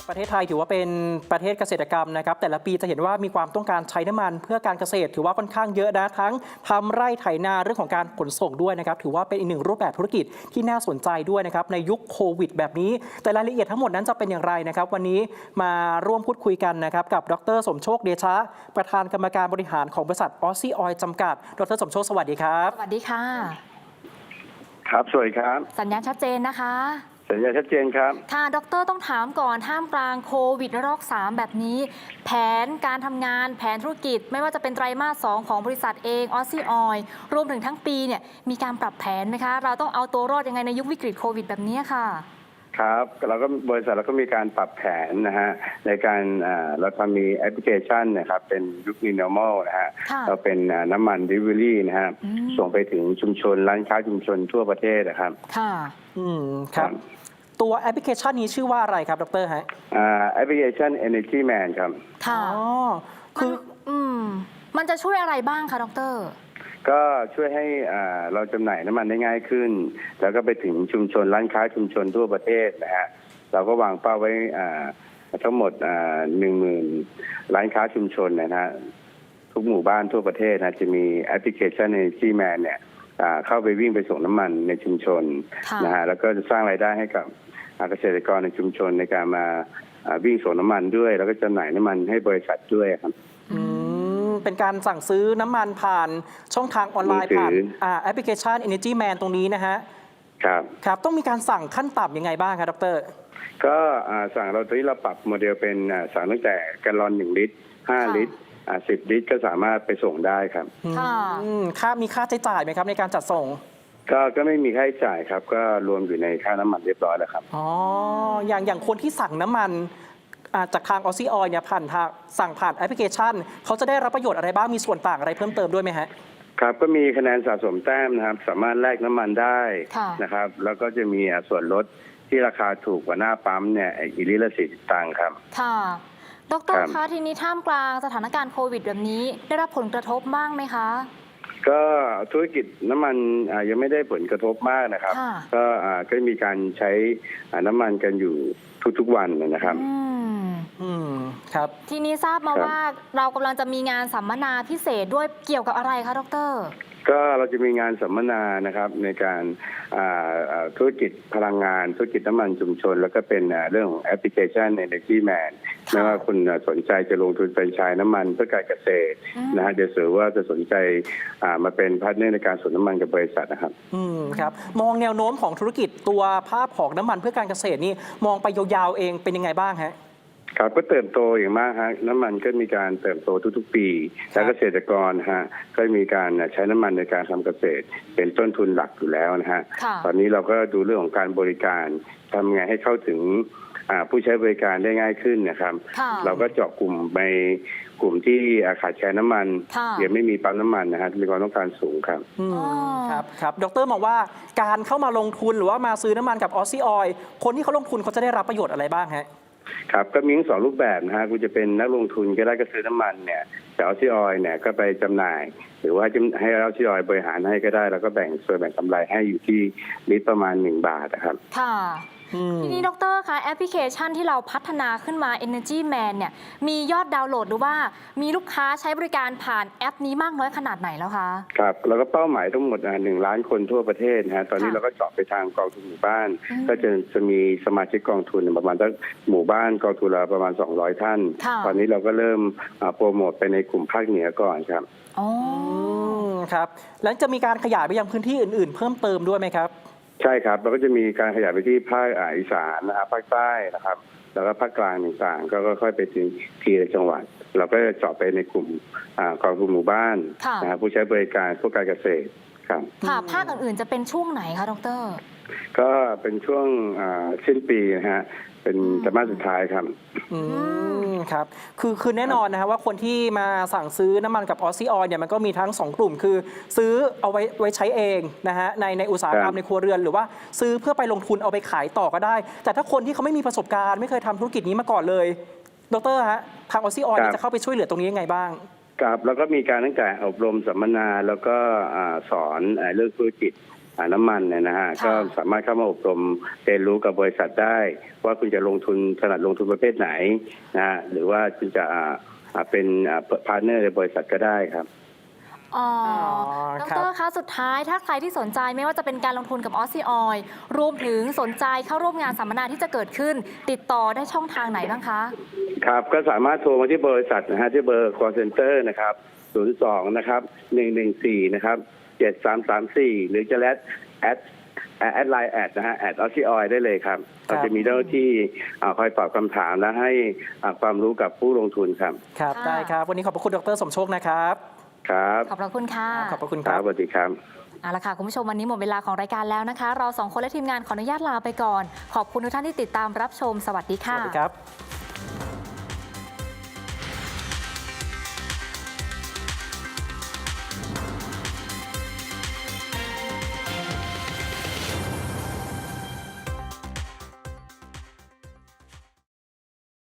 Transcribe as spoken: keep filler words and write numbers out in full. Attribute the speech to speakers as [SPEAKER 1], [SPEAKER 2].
[SPEAKER 1] ประเทศไทยถือว่าเป็นประเทศเกษตรกรรมนะครับแต่ละปีจะเห็นว่ามีความต้องการใช้น้ำมันเพื่อการเกษตรถือว่าค่อนข้างเยอะนะทั้งทำไร่ไถนาเรื่องของการขนส่งด้วยนะครับถือว่าเป็นอีกหนึ่งรูปแบบธุรกิจที่น่าสนใจด้วยนะครับในยุคโควิดแบบนี้แต่รายละเอียดทั้งหมดนั้นจะเป็นอย่างไรนะครับวันนี้มาร่วมพูดคุยกันนะครับกับดรสมโชคเดชะประธานกรรมการบริหารของบริษัทออสซี่ออยล์จำกัดดรสมโชคสวัสดีครับ
[SPEAKER 2] สวัสดีค่ะ
[SPEAKER 3] ครับสวัสดีครับ
[SPEAKER 2] สัญญาณชัดเจนนะคะ
[SPEAKER 3] สัญญาณชัดเจนครับ
[SPEAKER 2] ค่ะดรต้องถามก่อนท่ามกลางโควิดระลอกสามแบบนี้แผนการทำงานแผนธุรกิจไม่ว่าจะเป็นไตรมาสสองของบริษัทเองออสซี่ออยล์รวมถึงทั้งปีเนี่ยมีการปรับแผนไหมคะเราต้องเอาตัวรอดยังไงในยุควิกฤตโควิดแบบนี้ค่ะ
[SPEAKER 3] ครับเราก็บริษัทเราก็มีการปรับแผนนะฮะในการเราทำมีแอปพลิเคชันนะครับเป็นยุค New Normal นะฮะเราเป็นน้ำมัน Delivery นะฮะส่งไปถึงชุมชนร้านค้าชุมชนทั่วประเทศนะครับ
[SPEAKER 2] ค่ะ
[SPEAKER 1] อืมครับตัวแอปพลิเคชันนี้ชื่อว่าอะไรครับดรฮะ
[SPEAKER 3] อ่าแอปพลิเคชัน Energy Man ครับ
[SPEAKER 2] ค่ะ
[SPEAKER 1] อ๋อคือ
[SPEAKER 2] อืมมันจะช่วยอะไรบ้างคะดร
[SPEAKER 3] ก็ช่วยให้เราจำหน่ายน้ำมันได้ง่ายขึ้นแล้วก็ไปถึงชุมชนร้านค้าชุมชนทั่วประเทศนะฮะเราก็วางเป้าไว้ทั้งหมดหนึ่งหมื่นร้านค้าชุมชนนะฮะทุกหมู่บ้านทั่วประเทศนะจะมีแอปพลิเคชัน Energy Man เนี่ยเข้าไปวิ่งไปส่งน้ำมันในชุมชนนะฮะแล้วก็จะสร้างรายได้ให้กับเกษตรกรในชุมชนในการมาวิ่งส่งน้ำมันด้วยแล้วก็จำหน่ายน้ำมันให้บริษัทด้วยครับ
[SPEAKER 1] เป็นการสั่งซื้อน้ำมันผ่านช่องทางออนไลน์ผ่านแอปพลิเคชัน Energy Man ตรงนี้นะฮะ
[SPEAKER 3] ครับ
[SPEAKER 1] ครับต้องมีการสั่งขั้นต่ำยังไงบ้างครับดร
[SPEAKER 3] ก็สั่งเราตอนนี้เราปรับโมเดลเป็นสั่งตั้งแต่แกลลอนหนึ่งลิตรห้าลิตรสิบลิตรก็สามารถไปส่งได้ครับ
[SPEAKER 1] ค่ามีค่าใช้จ่ายไหมครับในการจัดส่ง
[SPEAKER 3] ก็ก็ไม่มีค่าใช้จ่ายครับก็รวมอยู่ในค่าน้ำมันเรียบร้อยแล้วครับ
[SPEAKER 1] อ๋ออย่างอย่างคนที่สั่งน้ำมันจากทางออสซี่ออยล์เนี่ยผ่านทางสั่งผ่านแอปพลิเคชันเขาจะได้รับประโยชน์อะไรบ้างมีส่วนต่างอะไรเพิ่มเติมด้วยไหมฮะ
[SPEAKER 3] ครับก็มีคะแนนสะสมแต้มนะครับสามารถแลกน้ำมันได้นะครับแล้วก็จะมีส่วนลดที่ราคาถูกกว่าหน้าปั๊มเนี่ยอีลิตรละสี่สิบตังค์ครับ
[SPEAKER 2] ค่ะดร.คะทีนี้ท่ามกลางสถานการณ์โควิดแบบนี้ได้รับผลกระทบบ้างไหมคะ
[SPEAKER 3] ก็ธุรกิจน้ำมันยังไม่ได้ผลกระทบมากนะครับก็ก็มีการใช้น้ำมันกันอยู่ทุกๆวันนะครับ
[SPEAKER 1] อืมครับ
[SPEAKER 2] ทีนี้ทราบมาว่าเรากำลังจะมีงานสัมมนาพิเศษด้วยเกี่ยวกับอะไรคะดร.
[SPEAKER 3] ก็เราจะมีงานสัมมนานะครับในการธุรกิจพลังงานธุรกิจน้ำมันชุมชนแล้วก็เป็นเรื่องของแอปพลิเคชัน Energy Man ไม่ว่าคุณสนใจจะลงทุนเป็นชายน้ำมันเพื่อการเกษตรนะฮะเดี๋ยวสือว่าจะสนใจมาเป็นพาร์ทเนอร์ในการส่งน้ำมันกับบริษัทนะครับ
[SPEAKER 1] อืมครับมองแนวโน้มของธุรกิจตัวภาพของน้ำมันเพื่อการเกษตรนี่มองไปยาวๆเองเป็นยังไงบ้างฮะ
[SPEAKER 3] ครับก็เติบโตอย่างมากฮะน้ำมันก็มีการเติบโตทุกๆปีและเกษตรกรฮะก็มีการใช้น้ำมันในการทำเกษตรเป็นต้นทุนหลักอยู่แล้วนะฮะตอนนี้เราก็ดูเรื่องของการบริการทำไงให้เข้าถึงผู้ใช้บริการได้ง่ายขึ้นนะครับเราก็เจาะกลุ่มในกลุ่มที่ขาดแคลนน้ำมันยังไม่มีปั๊มน้ำมันนะฮะมีความต้องการสูงครับ
[SPEAKER 1] ครับครับดร.มองว่าการเข้ามาลงทุนหรือว่ามาซื้อน้ำมันกับออสซี่ออยล์คนที่เขาลงทุนเขาจะได้รับประโยชน์อะไรบ้างฮะ
[SPEAKER 3] ครับก็มีทั้งสองรูปแบบนะฮะคุณจะเป็นนักลงทุนก็ได้ก็ซื้อน้ำมันเนี่ยจากออสซี่ออยล์เนี่ยก็ไปจำหน่ายหรือว่าให้ออสซี่ออยล์บริหารให้ก็ได้แล้วก็แบ่งส่วนแบ่งกำไรให้อยู่ที่ลิตรประมาณหนึ่งบาทนะครับ
[SPEAKER 2] ค่ะทีนี้ดร.คะแอปพลิเคชันที่เราพัฒนาขึ้นมา Energy Man เนี่ยมียอดดาวน์โหลดหรือว่ามีลูกค้าใช้บริการผ่านแอปนี้มากน้อยขนาดไหนแล้วคะ
[SPEAKER 3] ครับเราก็เป้าหมายทั้งหมดหนึ่งล้านคนทั่วประเทศนะฮะตอนนี้เราก็เจาะไปทางกองทุนหมู่บ้านก็จะจะมีสมาชิกกองทุนประมาณสักหมู่บ้านกองทุนละประมาณสองร้อยท่านตอนนี้เราก็เริ่มโปรโมทไปในกลุ่มภาคเหนือก่อนครับ
[SPEAKER 1] อ๋อครับแล้วจะมีการขยายไปยังพื้นที่อื่นๆเพิ่มเติมด้วยไหมครับ
[SPEAKER 3] ใช่ครับเราก็จะมีการขยายไปที่ภาคอีสานนะครับภาคใต้นะครับแล้วก็ภาคกลางต่างๆก็ค่อยไปถึงทีละจังหวัดเราก็จะเจาะไปในกลุ่มกองทุนหมู่บ้านนะครับผู้ใช้บริการพวกการเกษตรครับ
[SPEAKER 2] ค่ะภาคอื่นๆจะเป็นช่วงไหนคะดร.
[SPEAKER 3] ก็เป็นช่วงสิ้นปีนะฮะเป็นไตรมาสสุดท้ายครับ
[SPEAKER 1] อืมครับคือคือแน่นอนนะครับว่าคนที่มาสั่งซื้อน้ำมันกับออสซี่ออยล์เนี่ยมันก็มีทั้งสองกลุ่มคือซื้อเอาไว้ไว้ใช้เองนะฮะในในอุตสาหกรรมในครัวเรือนหรือว่าซื้อเพื่อไปลงทุนเอาไปขายต่อก็ได้แต่ถ้าคนที่เขาไม่มีประสบการณ์ไม่เคยทำธุรกิจนี้มาก่อนเลยดร.ฮะทางออสซี่ออยล์จะเข้าไปช่วยเหลือตรงนี้ยังไงบ้าง
[SPEAKER 3] ครับแล้วก็มีการตั้งแต่อบรมสัมมนาแล้วก็สอนเรื่องธุรกิจอ่าน้ำมันเนี่ยนะฮะ
[SPEAKER 2] ค่ะ
[SPEAKER 3] ก็สามารถเข้ามาอบรมเรียนรู้กับบริษัทได้ ว่าคุณจะลงทุนถนัดลงทุนประเภทไหนนะฮะหรือว่าคุณจะอ่าอ่าเป็นพาร์ทเนอร์ในบริษัทก็ได้ครับ
[SPEAKER 2] อ๋อ
[SPEAKER 1] อ
[SPEAKER 2] ด
[SPEAKER 1] ครับ
[SPEAKER 2] รคะสุดท้ายถ้าใครที่สนใจไม่ว่าจะเป็นการลงทุนกับออสซี่ออยรวมถึงสนใจเข้าร่วมงานสัมมนาที่จะเกิดขึ้น ติดต่อได้ช่องทางไหนบ้างคะ
[SPEAKER 3] ครับก็สามารถโทรมาที่บริษัทนะฮะที่เบอร์ call center นะครับศูนย์สองนะครับหนึ่งหนึ่งสี่นะครับเจ็ดสามสามสี่หรือจะแอดแอดแอดไลน์แอดนะฮะแอดออสซี่ออยได้เลยครับ
[SPEAKER 1] ครับ
[SPEAKER 3] เราจะมีเจ้าหน้าที่อ่าคอยตอบคำถามและให้อ่าความรู้กับผู้ลงทุนครับ
[SPEAKER 1] ครับ
[SPEAKER 2] ค่ะ
[SPEAKER 1] ได้ครับ วันนี้ขอบพระคุณดรสมโชคนะครับ
[SPEAKER 3] ครับ
[SPEAKER 2] ขอบพระคุณค่ะ
[SPEAKER 1] ขอบพระคุณ
[SPEAKER 3] ค
[SPEAKER 1] ค
[SPEAKER 3] รั
[SPEAKER 1] รั
[SPEAKER 3] บบ สวัสดีครับ
[SPEAKER 2] เอาละค่ะคุณผู้ชมวันนี้หมดเวลาของรายการแล้วนะคะ เราสองคนและทีมงานขออนุญาตลาไปก่อน ขอบคุณทุกท่านที่ติดตามรับชมสวัสดี
[SPEAKER 1] ส
[SPEAKER 2] ค่ะ
[SPEAKER 1] วัสดีครับ